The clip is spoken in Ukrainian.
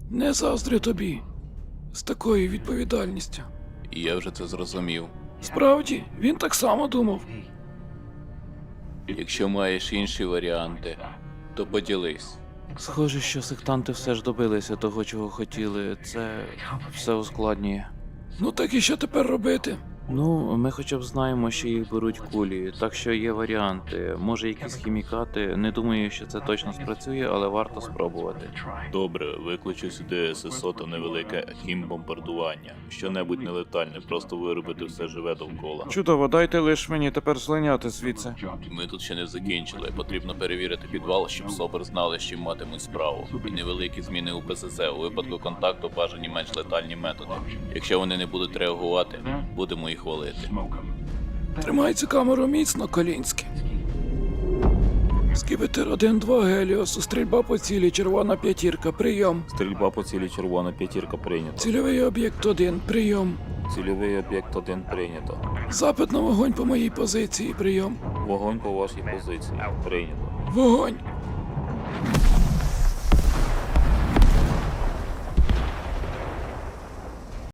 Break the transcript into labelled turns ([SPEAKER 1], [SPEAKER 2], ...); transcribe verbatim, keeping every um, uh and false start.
[SPEAKER 1] Не заздрю тобі. З такою відповідальністю.
[SPEAKER 2] І я вже це зрозумів.
[SPEAKER 1] Справді, він так само думав.
[SPEAKER 2] Якщо маєш інші варіанти, то поділись.
[SPEAKER 3] Схоже, що сектанти все ж добилися того, чого хотіли. Це все ускладнює.
[SPEAKER 1] Ну так і що тепер робити?
[SPEAKER 3] Ну, ми хоча б знаємо, що їх беруть кулі, так що є варіанти. Може, якісь хімікати. Не думаю, що це точно спрацює, але варто спробувати.
[SPEAKER 2] Добре, викличу сюди ССО та невелике хімбомбардування. Що-небудь нелетальне, просто виробити все живе довкола.
[SPEAKER 3] Чудово, дайте лиш мені тепер злиняти звідси.
[SPEAKER 2] Ми тут ще не закінчили. Потрібно перевірити підвал, щоб СОБР знали, з чим матимуть справу. І невеликі зміни у ПЗЗ. У випадку контакту бажані менш летальні методи. Якщо вони не будуть реагувати, будемо їх валити.
[SPEAKER 1] Тримай цю камеру міцно, Колінський. Скібетер один два Геліосу, стрільба по цілі, червона п'ятірка, прийом.
[SPEAKER 4] Стрільба по цілі червона п'ятірка прийнято.
[SPEAKER 1] Цільовий об'єкт один, прийом.
[SPEAKER 4] Цільовий об'єкт один прийнято.
[SPEAKER 1] Запит на вогонь по моїй позиції, прийом.
[SPEAKER 4] Вогонь по вашій позиції. Прийнято.
[SPEAKER 1] Вогонь!